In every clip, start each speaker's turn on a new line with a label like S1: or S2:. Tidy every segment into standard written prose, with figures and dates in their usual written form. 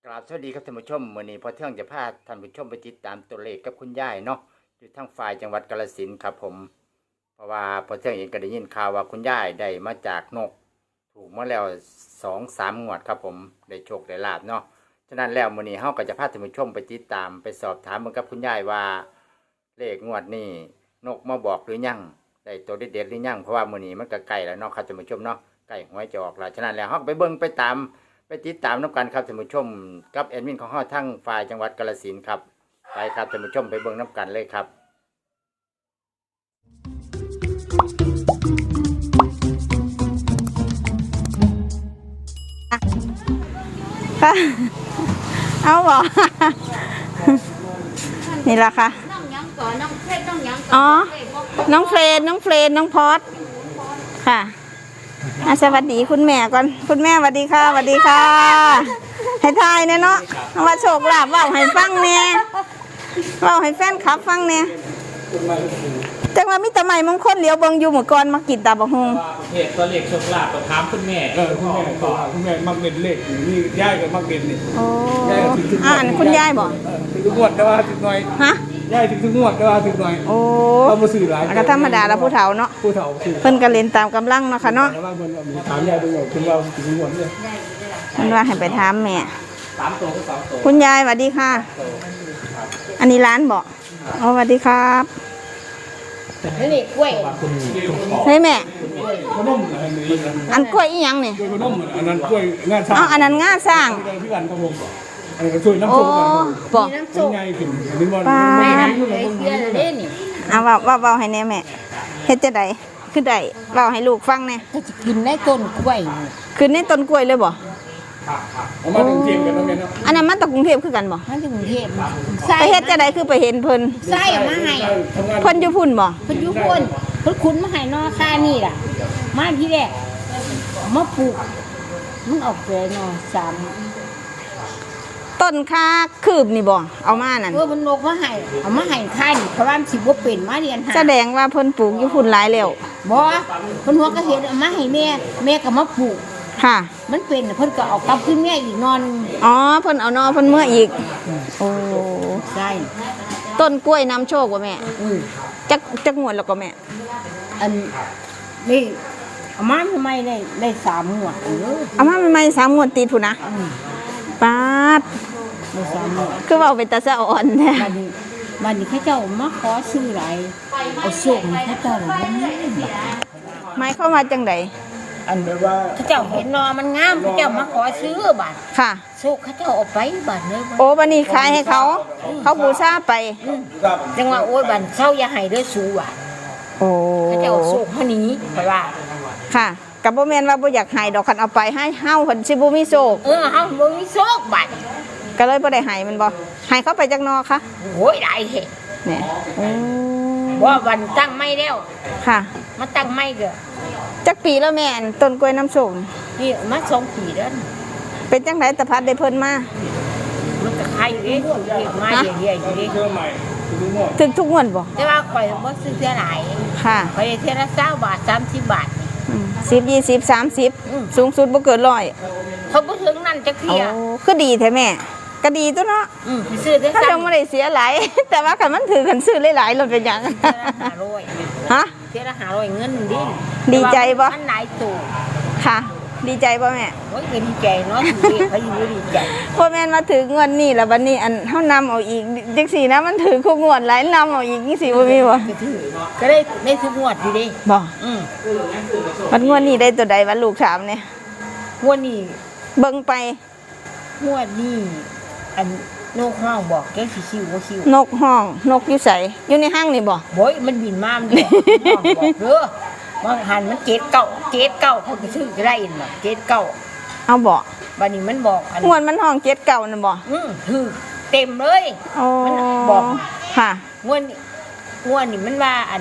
S1: กราบสวัสดีครับท่านผู้ชมวันนี้พอเที่ยงจะพาท่านผู้ชมไปติดตามตัวเลขกับคุณยายเนาะอยู่ทางฝ่ายจังหวัดกาฬสินธุ์ครับผมเพราะว่าพอเที่ยงเองก็ได้ยินข่าวว่าคุณยายได้มาจากนกถูกมาแล้ว2-3 งวดครับผมได้โชคได้ลาบเนาะฉะนั้นแล้ววันนี้เฮาก็จะพาท่านผู้ชมไปติดตามไปสอบถามเหมือนกับคุณยายว่าเลขงวดนี้นกมาบอกหรือยังได้ตัวเด็ดๆหรือยังเพราะว่ามื้อนี้มันก็ใกล้แล้วเนาะครับท่านผู้ชมเนาะใกล้หวยจะออกแล้วฉะนั้นแล้วเฮาไปเบิ่งไปตามไปติดตามน้ำกันครับท่านผู้ชมกับแอดมินของเฮาทั้งฝ่ายจังหวัดกาฬสินธุ์ครับไปครับท่านผู้ชมไปเบิ่งน้ำกันเลยครับ
S2: ค่ะเอาบ่นี่ละค่ะอ๋อน้องเฟรนน้องพอดค่ะสวัสดีคุณแม่ก่อนคุณแม่สวัสดีค่ะสวัสดีค่ะให้ทายเนี่ยเนาะว่าโชคลาภว่าให้ฟังเนี่ยว่าให้แฟนคลับฟังเนี่ยจังว่ามิตรใหม่มงคลเหลียวเบิงอยู่หมู่ก่อนมากินตาบะฮง
S3: เหตุตัวเลขโชคลาภก็ถามคุณแม่
S4: คุณแม่มักเด่นเลขนี่ย่ายก็มักเด่นนี่
S2: โอ้อันคุณยายบอก
S4: ถึงทุกงวดแต่ว่าถึงหน่อย
S2: ฮะ
S4: ย่ายถึงทุกงวดแต่ว่าถึงหน่อย
S2: โอ้
S4: เรามาสื่อหลาย
S2: ก็ธรรมดาแล้วผู้เฒ่าเนาะ
S4: ผู้เฒ่าสื่อ
S2: เพิ่นก็เล่นตามกำลังเนาะค่ะเนาะ
S4: แต่ว่าเพิ่นมีถามย่ายดูว่าถึงเราถึงทุกงวดเลย
S2: มันว่าให้ไปถามแม่
S3: 3 ตัวก็2 ตัว
S2: คุณยายสวัสดีค่ะอันนี้ร้านบอกอ๋อสวัสดีครับ
S5: นี่กล้วย
S2: เฮ้ยแม่
S4: ขนมอะไรนี่
S2: อันกล้วยอีหยังนี่
S4: กล้วยขนมอันนั้นกล้วยงานสร้าง
S2: อ๋ออันนั้นงาสร้าง
S4: พี่กันครับผมอันนี้ก็ช่วยน้ำส้มกัน
S2: บอก
S5: น้ำส้ม
S4: ง่ายขึ้นอันนี้บ่
S5: ไม่ทำเลยเชื่อเลยนี่
S2: เอาว่าให้แน่แม่เฮ็ดจะได้คือได้เว้าให้ลูกฟังแน่
S5: ก็จะกินได้ต้นกล้วย
S2: คือในต้นกล้วยเลยบ่
S4: เอามาถึงเทียมกันแล้วแม่เนาะ
S2: อันนั้นมาจากกรุงเทพคือกันบ่
S5: มาถึงกรุงเทพ
S2: ไปเฮ็ดจะได้คือไปเห็นเพิ่น
S5: ไส้มาให้
S2: เพิ่นอยู่พุ่นบ่
S5: เพิ่นอยู่พุ่นเพิ่นขุนมาให้นอค่านี่ล่ะมาที่แรกมาปลูกมันออกเลยนอ3
S2: ต้นคาคืบนี่บ่เอามานั่น
S5: มันนกมาให้เอามาให้ค่านี่เพราะว่ามันสิบ่เป็นมาเรียนหา
S2: แสดงว่าเพิ่นปลูกอยู่พุ่นหลายแล้ว
S5: บ่เพิ่นหัวก็เฮ็ดเอามาให้แม่ก็มาปลูก
S2: ค่ะ
S5: มันเป็นเพิ่นก็เอากลับขึ้นแม่อีกนอน
S2: อ๋อเพิ่นเอานอเพิ่นเมื่ออีกโอ้
S5: ใช่
S2: ต้นกล้วยนำโชคบ่แม่จักงวดแล้วก็แม่
S5: อันนี่เอามาทำไมได้3 งวด
S2: เอามาใหม่ๆ3 งวดติดพุ่นนะป๊าด
S5: ได้3 งวด
S2: คือเว้าเป็นตาสะอ่อนแท้
S5: บัดนี้เขาเจ้ามาขอซื้อหลายเอาโชคให้เขาเจ้าบ่มี
S2: หมายความว่าจังได๋
S4: อันแบบว่า
S5: เขาเจ้าเห็นนอมันงามเขาเจ้ามาขอซื้อบัด
S2: ค่ะ
S5: โชคเขาเจ้าเอาไปบัดเลย
S2: โอ้บัดนี้ขายให้เขาบูชาไป
S5: จังว่าโอ้ยบัดเซาอย่าให้เด้อสูว่ะ
S2: โอ้
S5: เขาเจ้าโชคเฮานี้เพราะว่า
S2: ค่ะก็บ่แม่นว่าบ่อยากให้ดอกคันเอาไปให้เฮาเพิ่นสิบ่มีโชค
S5: เฮาบ่มีโชคบัด
S2: ก็เลยบ่ได้ให้มันบ่ให้เขาไปจักนอคะ
S5: โอ้ยได้แท้
S2: แหน่
S5: ว่าวันตั้งไม่แล้ว
S2: ค่ะ
S5: มาตั้งไม่เด้อ
S2: จักปีแล้วแม่นต้นกล้วยน้ำส้ม
S5: นี่มา2 ปีแล้ว
S2: เป็นจังไดตะพัดได้เพิ่นมา
S5: มันก็ขายอยู่เด้มาเรื่อยๆอยู่เด้
S2: ถึงทุกงวดบ่
S5: แต่ว่าข่อยบ่ซื้อเท่าหลาย
S2: ค่ะ
S5: ข่อยเท่าละ20 บาท30 บาท
S2: 10 20 30สูงสุดบ่เกิน100
S5: เขาบ่ถึงนั่นจักเที่ย
S2: คือดีแท้แม่ก็ดีตัวเนาะ
S5: ซื้อได้
S2: ถ้ายังบ่ได้เสียหลายแต่ว่าคันมันถือคันซื้อหลายๆรถเป็นหยัง
S5: 500ฮะเท่าละ500เงินดิ
S2: ดีใจบ่
S5: มันหลายตู้
S2: ค่ะดีใจบ่แม่
S5: โอ้ยก็ดีใจเนาะเขาอยู่ดีใจ
S2: พ่อแม่นมาถึงงวดนี้แล้วบัดนี้อันเฮานำเอาอีกจังซี่นะมันถือคู่งวดหลายนำเอาอีกจังซี่บ่มีบ่
S5: ก็ได้ทุกงวดอยู่ดิ
S2: บ่วันงวดนี้ได้ตัวใดวันลูกถามเนี่ย
S5: งวดนี้
S2: เบิ่งไป
S5: งวดนี้อันนกห้องบอกแกสิคิวบ่คิวน
S2: กห้องนกอยู่ไสอยู่ในห้างนี่บ่
S5: โอ้ยมันบินมามันบอกเด้อบางหันมัน7 9เขาก็ซื้อได้น่ะ7 9
S2: เอาบ่
S5: บัดนี้มันบอกอัน
S2: งวดมันห้อง7 9นั่นบ่
S5: ถือเต็มเลย
S2: มัน
S5: บอก
S2: ค่ะ
S5: งวดนี้มันว่าอัน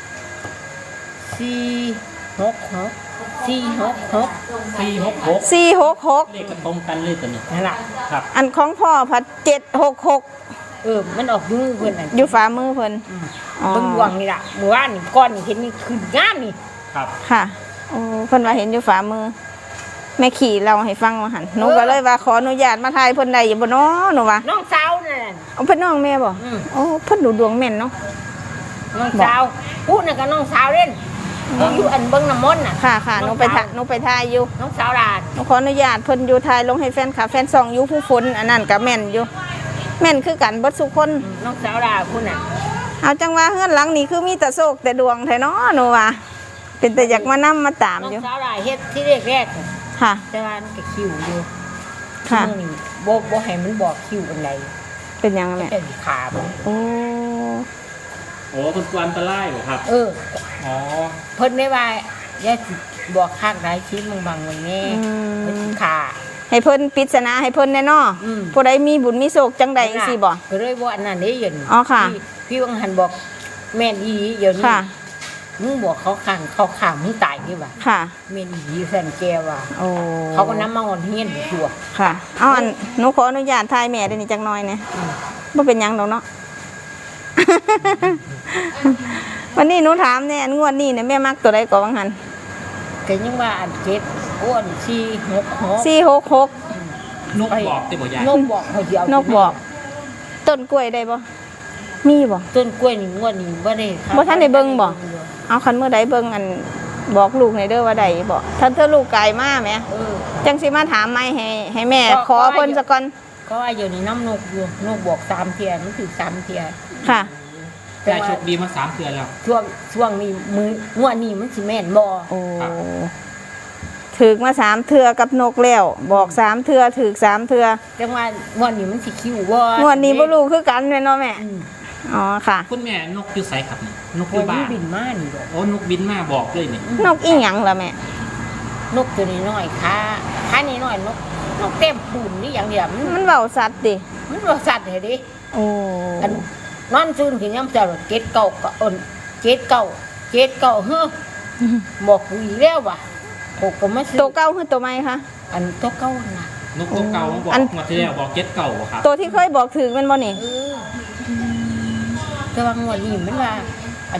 S5: 466
S3: 466เลขก็ตรงกันเลยตัวนี้
S5: นั่นล่ะ
S3: ครับ
S2: อันของพ่อพัด766
S5: มันออกมือเพิ่นน่ะ
S2: อยู่ฝ่ามือเพิ่น
S5: เบิ่งดวงนี่ล่ะเมื่อวานนี่ก้อนนี่เห็นนี่ขึ้นงามนี่
S3: ครับ
S2: ค่ะโอ้เพิ่นว่าเห็นอยู่ฝ่ามือแม่ขี่เราให้ฟังว่าหันหนูก็เลยว่าขออนุญาตมาถ่ายเพิ่นได้อยู่บ่เนาะหนูว่า
S5: น้องสาวนั่น
S2: เอาเพิ่นน้องแม่บ่โอ้เพิ่นดูดวงแม่นเนาะ
S5: น้องสาวพูดน่ะกับน้องสาวเล่นอยู่อันเบิ่งน้ำมนต์น่ะ
S2: ค่ะหนูไปถ่ายอยู่
S5: น้องสาวดาด
S2: หนูขออนุญาตเพิ่นอยู่ถ่ายลงให้แฟนคลับแฟนซองอยู่ผู้ฝนอันนั้นก็แม่นอยู่แม่นคือกันเบิดทุกคน
S5: น้องสาวดาดพูดน่ะ
S2: เอาจังว่าเฮือนหลังนี้คือมีแต่โชคแต่ดวงแท้เนาะหนูว่าเป็นแต่อยากมานำมาตาม
S5: น้อง
S2: อยู่
S5: สาวดาดเฮ็ดที่แรก
S2: ค่ะ
S5: แต่ว่ามันก็คิวอยู่
S2: ค่ะ
S5: มื้อนี้บ่ให้มันบอกคิวอันใด
S2: เป็นยังไงแม่
S5: แต่ขาบ่
S2: โอ้
S3: โอ้คนกวนอันตรายเหรอครับ อ๋อ
S5: เพิ่นได้ว่าอย่าสิบอกข้างใดชี้มึงบังไว้แน่เพิ่นสิขา
S2: ให้เพิ่นปริศนาให้เพิ่นแน่เนาะ
S5: อืม
S2: ผู้ใดมีบุญมีโชคจังใดจังซี่บ่
S5: ก็เลยบ่อันนั้นเด้เย็น
S2: อ๋อค่ะ
S5: พี่วังหันบอกแม่นอีหลีเดี๋ยวนี้
S2: ค่ะ
S5: มึงบอกเขาข้างมึงตายดีว่า
S2: ค่ะ
S5: แม่นอีหลีแฟนแกว่า
S2: โอ้
S5: เขาก็นำมาอ่อนเฮียนตัว
S2: ค่ะเอาอันหนูขออนุญาตถ่ายแม่ได้นี่จังน้อยเนี่ยบ่เป็นหยังดอกเนาะ วันนี้หนูถามเนี่ยอันงวดนี้เนี่ยแม่มักตัวใดก่อนวังหัน
S5: ก็ยังว่าอันเจ็ดอ้วน466
S2: 466
S3: นกบอกติบ่ยาย
S5: นกบอกเขาสิเอา
S2: นกบอก ต้นกล้วยได้บ่มีบ่
S5: ต้นกล้วยนี่งวดนี้บ่ได้ครับ
S2: บ่ทันได้เบิ่งบ่ เอาคันเมื่อใดเบิ่งอันบอกลูกในอยเด้อว่าใดบ่ถ้าเธอลูกไกลมาแหม จังสิมาถามไม่ให้แม่ขอเพิ่นซะก่อน
S5: ก็ว่าอยู่ในน้ำนกอยู่นกบอก3เที่ยมันถือ3เที่ย
S2: ค่ะ
S3: ยายโชคดีมา3เดือนแล้ว
S5: ช่วงนี้งวดนี้มันสิแม่นบ่
S2: โอ้ถึกมา3เทื่อกับนกแล้วบอก3เทื่อถึก3เทื่อ
S5: จังว่างวดนี้มันสิคิวบ่
S2: งวดนี้บ่รู้คือกันแม่นเนาะแม่
S5: อืม
S2: อ๋อค่ะ
S3: คุณแม่นกอยู่ไสครับนี่นกอ
S5: โอ้
S3: ยู่
S5: ย
S3: บ้า
S5: มัน
S3: น
S5: บินมานี่ดอก
S3: โอ้นกบินมาบอกเลยนี่
S2: นกอีหยังล่ะแม่
S5: นกตัวนี้น้อยขานี่น้อยนกเต็มปูนนี่อย่างเดียว
S2: มันเว้าสัตว์ดิ
S5: มันบ่สัตว์เด้ดิ
S2: โอ้
S5: อันนอนซื่นขึ้นยามเช้าเจ็ดเก้าก็อ่อนเจ็ดเก้าเฮ้อบอกกูอีกแล้วว่ะโอ้ก็มาซื้อ
S2: ตัวเก่าคือตัวใหม่คะ
S5: อันตัวเก่าน่ะ
S3: นกตัวเก่าบอก
S2: อัน
S3: มาที่แล้วบอกเก็ตเก่าบ่ครับ
S2: ตัวที่เคยบอกถึกแม่นบ่นี่
S5: แต่ว่างวดนี้มันว่าอัน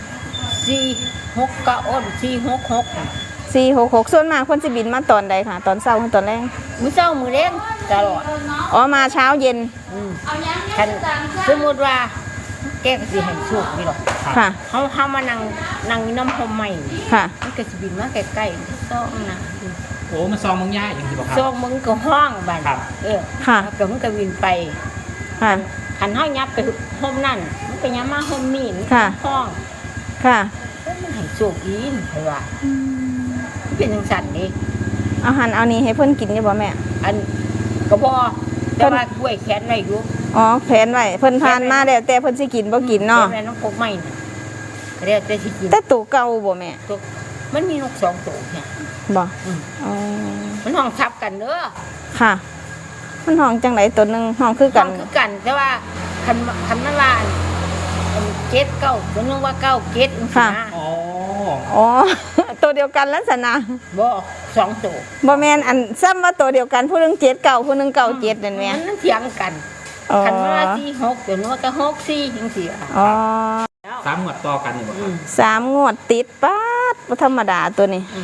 S5: 469อ่อน466
S2: 466ส่วนมากเพิ่นสิบินมาตอนใดค่ะ ตอนเช้าหรือตอนแลง
S5: มื้อเช้ามื้อแลงตลอด
S2: อ๋อมาเช้าเย็น
S5: คันสมมุติว่าแกก็สิให้โชคนี่หรอก
S2: ค่ะ
S5: เฮามานั่งอยู่น้ำพรมใหม่
S2: ค่ะ
S5: มันก็สิบินมาใกล้ๆซ่องนะ
S3: โอ้มันซองมึงย่ายอย่างที่บอกครับ
S5: ซ่องมึงก็ห้องบัด
S3: ครับ
S2: ค่ะ
S5: แล้วก็มันก็บินไป
S2: ค่ะ
S5: คันเฮายับไปห้องนั่นมันก็ยับมาห้องนี้มัน
S2: ค่ะ
S5: ห้อง
S2: ค่ะ
S5: มันให้โชคอีนเพิ่นว่ามันเป็นจังซั่นนี่
S2: เอาหันเอานี่ให้เพิ่นกินอยู่บ่แม่
S5: อันก็บ่แต่ว่ากล้วยแขนไว้อยู่
S2: อ๋อแผนไว้เพิ่นทานมาแล้วแต่เพิ่นสิกินบ่กินเนาะ
S5: แม่น้องกกใหม่น่ะก็แล้วแต่สิกิน
S2: แต่ตัวเก่าบ่แม่
S5: ตัวมันมีนกสองตัวเนี่ย
S2: บ่
S5: อืม
S2: อ๋อ
S5: มันห้องทับกันเด้อ
S2: ค่ะ มันห้องจังไดตัวหนึงห้องคือ
S5: กั
S2: กัน น
S5: คือกันแต่ว่าคันมันว่าอันเจ็ดเก้าตัวนึงว่าเก้าเจ็ดจังซี่นะ
S3: อ๋อ
S2: อ๋อ ตัวเดียวกันลักษณะ
S5: บ่สองตัว
S2: บ่แม่นอันซ้ำว่าตัวเดียวกันผู้หนึง7 9ผู้หนึง9 7นั่นแหม
S5: มันเถียงกัน
S2: อ๋อ
S5: คันมันว่า46ตัวนึงว่าก็64จังซี่อ่ะ
S2: อ๋อ
S3: 3หมวดต่อกันนี่บ่ครับ
S2: 3 งวดติดป๊าดบ่ธรรมดาตัวนี้
S5: อืม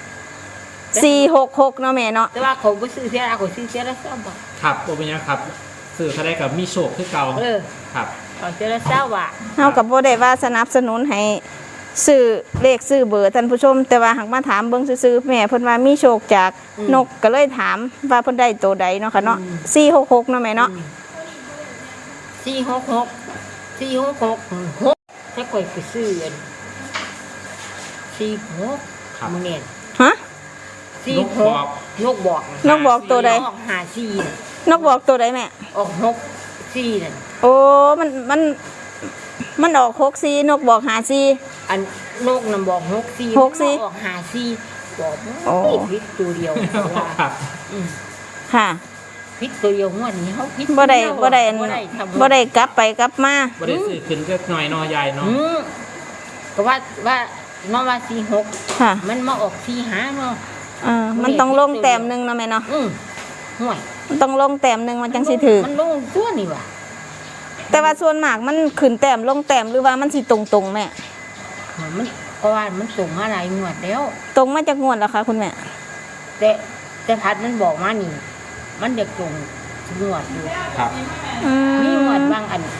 S2: 466เนาะแม่เนาะ
S5: แต่ว่าเขาบ่ซื้อเสียละเขาซื้อเสียละ20บาท
S3: ครับบ่เป็นหยังครับสื่อเขาได้กับมีโชคคือเก่า ครับ
S5: เขาเสียละ20บาท
S2: เฮาก็บ่ได้ว่าสนับสนุนให้ซื้อเลขซื้อเบอร์ท่านผู้ชม แต่ว่าหากมาถามเบิ่งซื่อๆแม่เพิ่นว่ามีโชคจากนกก็เลยถามว่าเพิ่นได้ตัวใดเนาะค่ะเนาะ466เนาะแม่เนาะ
S5: 466ถ้าข่อยไปซื้ออัน46
S3: ครับ
S5: มื้อนี้
S2: ฮะ
S3: นกบอก
S5: นกบอก
S2: นกบอกตัวใด
S5: ออก54น่ะ
S2: นกบอกตัวใดแม่
S5: ออก64นั่น
S2: โอ้มันออก64นกบอก54
S5: อันนกน่ะบอก64
S2: หกสี่
S5: ออก54บอก
S2: โอ้
S5: ผิดตัวเดียวว่า
S3: ครับ
S5: อืม
S2: ค่ะ
S5: ผิดตัวเดียวงวดนี้เฮาผิด
S2: บ่ได้
S5: ตัว
S2: บ่ได้
S5: เยวทำ
S2: บ่ได้กลับไปกลับมา
S3: บ่ได้ซื้อขึ้นก็หน่อยเนอยายเนาะ
S5: อืมก็ว่าน้องว่า46
S2: ค่ะ
S5: มันมาออก45เนาะ
S2: มันต้องลงแต้มหนึงเนาะแม่เนาะ
S5: ห่วย
S2: มันต้องลงแต้มหนึงมันจังสิถือ
S5: มันลงตัวนี่ว่ะ
S2: แต่ว่าส่วนมากมันขึ้นแต้มลงแต้มหรือว่ามันสิตรงๆแม่
S5: มันก็ว่ามันส่งมาหลายงวดแล้ว
S2: ตรงมาจากงวดแล้วค่ะคุณแม่
S5: แต่พัดมันบอกมานี่ มันจะตรงงวดอยู่
S3: ครับ
S2: อื
S5: มีงวด
S2: ม
S5: บางอัน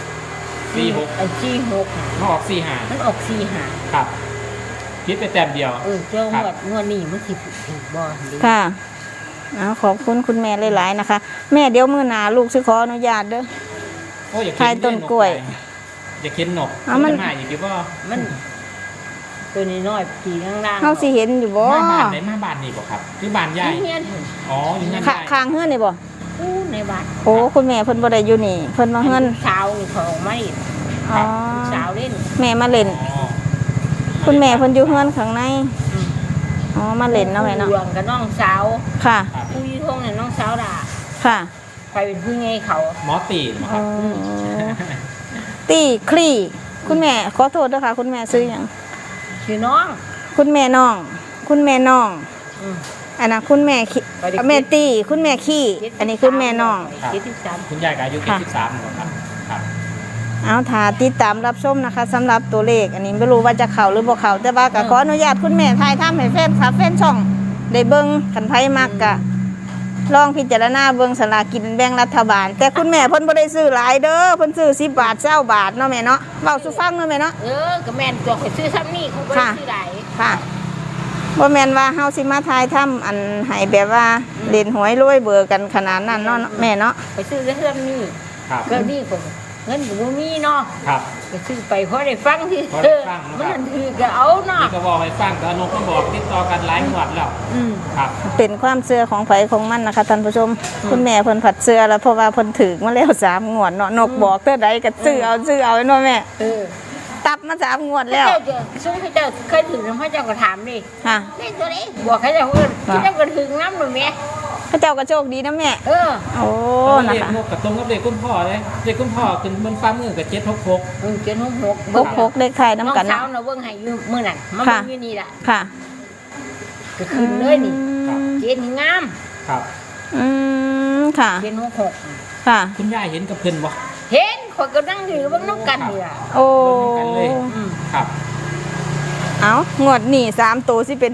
S3: 46
S5: อัน46
S3: มาออก45
S5: มันออก45
S3: ครับคิดไปแต้มเดียว
S5: เจ้างวดนี้มันสิถูกบ่ดี
S2: ค่ะเอาขอบคุณคุณแม่หลายๆนะคะ แม่เดี๋ยวมื้อหน้าลูกสิขออนุญาตเด้อ
S3: โอ้อยาก
S2: ทายต้นกล้วย
S3: อยากเห็นนก
S2: เอามัน
S3: จะมาอีกหรือว่า
S5: มันตัวน้อยๆปีล่างๆ
S2: เฮาสิเห็นอยู่บ่
S3: มาบ้านไหนมาบ้านนี่บ่ครับหรือบ้านยาย
S5: เฮียน
S3: อ๋ออยู่นั่น
S2: ค่ะ
S3: ยาย
S2: ข้างเฮือนนี่บ่
S5: อู้ในบ้าน
S2: โอ้คุณแม่เพิ่นบ่ได้อยู่นี่เพิ่นมาเฮือน
S5: ลูกสาวนี่เขาออกมาอีก
S2: อ๋อ
S5: ลูกสาวเล่น
S2: แม่มาเล่น
S3: อ๋อ
S2: คุณแม่เพิ่นอยู่เฮือนข้างในอ๋อมาเล่นเนาะแม่เนาะ
S5: ดวงกับน้องสาว
S2: ค่ะ
S3: ครับ
S5: ผู้ยี่ทงเนี่ยน้องสาวด่า
S2: ค่ะ
S5: ใครเป็นผู้ไงเขา
S3: หมอตีนบ่ค
S2: อ๋
S3: รั
S2: อบ ตี้คลี่คุณแม่ขอโทษด้วยค่ะ คุณแม่ซื้ออย่าง
S5: ชื่อน้อง
S2: คุณแม่น้อง คุณแม่น้อง
S5: อืม
S2: อันนั้นคุณแม่ขี้
S5: ไปดิ
S2: แม่ตี้คุณแม่ขี้อันนี้คุณแม่น้อง
S5: 73
S3: คุณยายก็อายุ
S2: ค่ะ
S3: 73บ่ครับครับ
S2: เอาถ้าติดตามรับชมนะคะสำหรับตัวเลข อันนี้ไม่รู้ว่าจะเข้าหรือบ่เข้าแต่ว่าก็ขออนุญาตคุณแม่ทายทำให้แฟนคลับแฟนช่องได้เบิ่งคันไผมักกะลองพิจารณาเบิ่งสลากกินแบ่งรัฐบาล แต่คุณแม่เพิ่นบ่ได้ซื้อหลายเด้อเพิ่นซื้อ10 บาท20 บาทเนาะแม่เนาะเว้าสู่ฟังเนาะแม่เนาะ
S5: ก็แม่นตัวข่อยซื้อซ้ำนี่เขาบ่ได้ซื้อหลาย
S2: ค่ะบ่แม่นว่าเฮาสิมาทายทำอันให้แบบว่าเล่นหวยรวยเบอร์กันขนาดนั้นเนาะแม่เนาะ
S5: ไปซื้อซ้ำนี่
S3: ครับ
S5: ก็นี่ก็เงินก็บ่มีเนาะ
S3: ครับ
S5: ก็ซื้อไปเพราะได้ฟังที่
S3: พอได้ฟังนะครับ
S5: มันถือก็เอาเนาะ
S3: นี่ก็บอกให้ฟังแต่นกก็บอกติดต่อกันหลายงวดแล้ว
S5: อืม
S3: ครับ
S2: เป็นความเชื่อของไผของมันนะคะท่านผู้ชม คุณแม่เพิ่นผัดเชื่อแล้วเพราะว่าเพิ่นถึกมาแล้ว3 งวดเนาะนกบอกเท่าใดก็ซื้อเอาเนาะแม่
S5: เออ
S2: ตับมา3 งวดแล้ว
S5: เจ้าจะซึ่งให้เจ้าเคยถึงพระเจ้าก็ถามดิ
S2: ค่ะ
S5: นี่ตัวนี้บอกให้เจ้าเอิ้นที่เจ้าก็ถึงน้ำหนูแม่
S2: พระเจ้าก็โชคดีนะแม่
S5: เออ
S2: โอ้
S3: เล
S2: นะ
S3: ข
S2: คะ
S3: นกกับตรงกับเลขคุณพ่อเลยเลขคุณพ่อขึ้นบนฟ้ามือกับ766
S5: เจ็ดหก
S2: 66เลขไทย
S5: น้อง
S2: น้ำกัน
S5: สา
S2: เนาะ
S5: วน่ะเบิ่งให้อยู่มื้อนั้นมา
S2: ค่ะ
S5: เบิ่งอยู่นี่ล่ะ
S2: ค่ะ
S5: ก็ขึ้นเลยนี่
S2: อืม
S5: เจ็ดนี่งาม
S3: ครับ
S2: อืมค่ะ
S5: เจ็ดหก
S2: ค่ะ
S3: คุณยายเห็นกับเพิ่นบ่
S5: เห็นข่อยก็นั่งอยู่เบิ่งน้ำกันนี่ล่ะ
S2: โอ้
S3: เบิ่งนำกันเลย
S5: อืม
S3: ครับ
S2: เอางวดนี่3 ตัวสิเป็น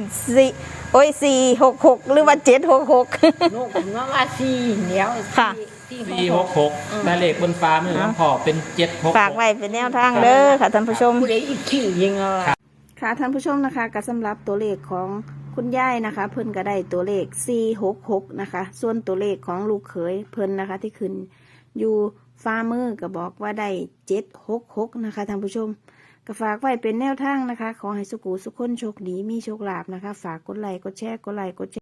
S2: 4โอ้ย466หรือว่า766
S5: ลูกผมว่าสี่เหนียว
S2: ค่ะ
S3: 466แต่เลขบนฟ้ามือของพ่อเป็น766
S2: ฝากไว้เป็นแนวทางเด้อค่ะท่านผู้ชม
S5: ผู้ใดอีกขี้ยิงเอาล่ะ
S2: ค่ะท่านผู้ชมนะคะก็สำหรับตัวเลขของคุณยายนะคะ เพิ่นก็ได้ตัวเลข466นะคะ ส่วนตัวเลขของลูกเขยเพิ่นนะคะที่ขึ้นอยู่ฟ้ามือก็บอกว่าได้766นะคะท่านผู้ชมก็ฝากไว้เป็นแนวทางนะคะ ขอให้สุขุสุขคนโชคดีมีโชคลาภนะคะ ฝากกดไลค์กดแชร์กดไลค์กดแชร์